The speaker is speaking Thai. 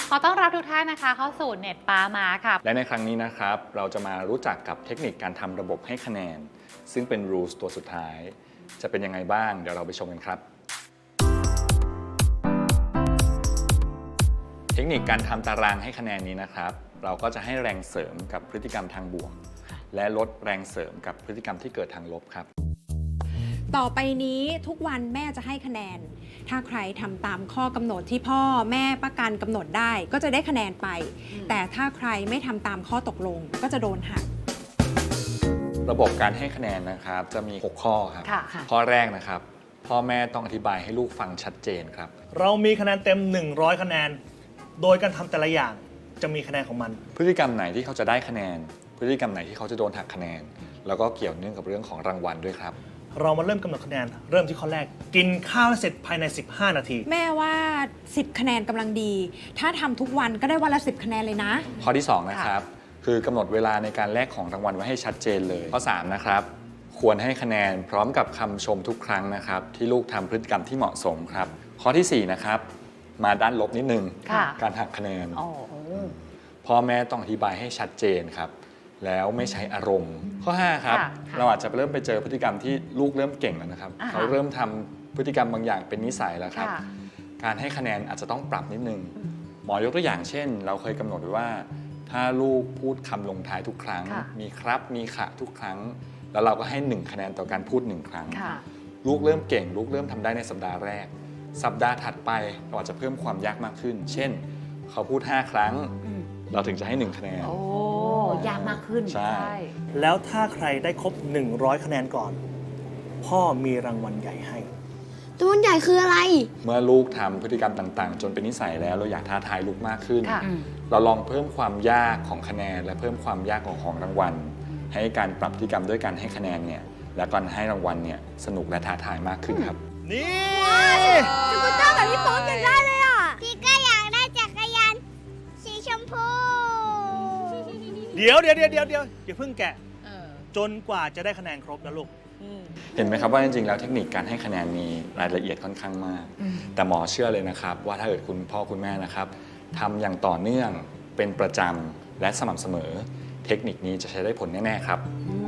ขอต้อนรับทุกท่านนะคะเข้าสู่เน็ตป้ามาค่ะและในครั้งนี้นะครับเราจะมารู้จักกับเทคนิคการทำระบบให้คะแนนซึ่งเป็น rules ตัวสุดท้ายจะเป็นยังไงบ้างเดี๋ยวเราไปชมกันครับเทคนิคการทำตารางให้คะแนนนี้นะครับเราก็จะให้แรงเสริมกับพฤติกรรมทางบวกและลดแรงเสริมกับพฤติกรรมที่เกิดทางลบครับต่อไปนี้ทุกวันแม่จะให้คะแนนถ้าใครทำตามข้อกำหนดที่พ่อแม่ประกันกำหนดได้ก็จะได้คะแนนไปแต่ถ้าใครไม่ทำตามข้อตกลงก็จะโดนหักระบบการให้คะแนนนะครับจะมี6ข้อครับข้อแรกนะครับพ่อแม่ต้องอธิบายให้ลูกฟังชัดเจนครับเรามีคะแนนเต็ม100คะแนนโดยการทำแต่ละอย่างจะมีคะแนนของมันพฤติกรรมไหนที่เขาจะได้คะแนนพฤติกรรมไหนที่เขาจะโดนหักคะแนนแล้วก็เกี่ยวเนื่องกับเรื่องของรางวัลด้วยครับเรามาเริ่มกำหนดคะแนนเริ่มที่ข้อแรกกินข้าวให้เสร็จภายใน15นาทีแม่ว่า10คะแนนกำลังดีถ้าทำทุกวันก็ได้วันละ10คะแนนเลยนะข้อที่2นะครับคือกำหนดเวลาในการแลกของรางวัลไว้ให้ชัดเจนเลยข้อ3นะครับควรให้คะแนนพร้อมกับคำชมทุกครั้งนะครับที่ลูกทำพฤติกรรมที่เหมาะสมครับข้อที่4นะครับมาด้านลบนิดนึงการหักคะแนนพ่อแม่ต้องอธิบายให้ชัดเจนครับแล้วไม่ใช้อารมณ์ข้อ5ครับเราอาจจะเริ่มไปเจอพฤติกรรมที่ลูกเริ่มเก่งแล้วนะครับเขาเริ่มทำพฤติกรรมบางอย่างเป็นนิสัยแล้วครับการให้คะแนนอาจจะต้องปรับนิดนึงหมอยกตัวอย่างเช่นเราเคยกำหนดไว้ว่าถ้าลูกพูดคำลงท้ายทุกครั้งมีครับมีขะทุกครั้งแล้วเราก็ให้1คะแนนต่อการพูด1ครั้งลูกเริ่มเก่งลูกเริ่มทำได้ในสัปดาห์แรกสัปดาห์ถัดไปเราอาจจะเพิ่มความยากมากขึ้นเช่นเขาพูด5ครั้งเราถึงจะให้1คะแนนโอ้ยากมากขึ้นใช่แล้วถ้าใครได้ครบ100คะแนนก่อนพ่อมีรางวัลใหญ่ให้รางวัลใหญ่คืออะไรเมื่อลูกทำพฤติกรรมต่างๆจนเป็นนิสัยแล้วเราอยากท้าทายลูกมากขึ้นเราลองเพิ่มความยากของคะแนนและเพิ่มความยากของรางวัลให้การปรับพฤติกรรมด้วยการให้คะแนนเนี่ยและการให้รางวัลเนี่ยสนุกและท้าทายมากขึ้นครับนี่สกูตเตอร์แบบพี่โป๊กอยากได้เลยอ่ะพี่ก็อยากได้จักรยานสีชมพูเดี๋ยวอย่าเพิ่งแกะจนกว่าจะได้คะแนนครบนะลูกเห็นไหมครับว่าจริงๆแล้วเทคนิคการให้คะแนนมีรายละเอียดค่อนข้างมากแต่หมอเชื่อเลยนะครับว่าถ้าเกิดคุณพ่อคุณแม่นะครับทำอย่างต่อเนื่องเป็นประจำและสม่ำเสมอเทคนิคนี้จะใช้ได้ผลแน่ๆครับ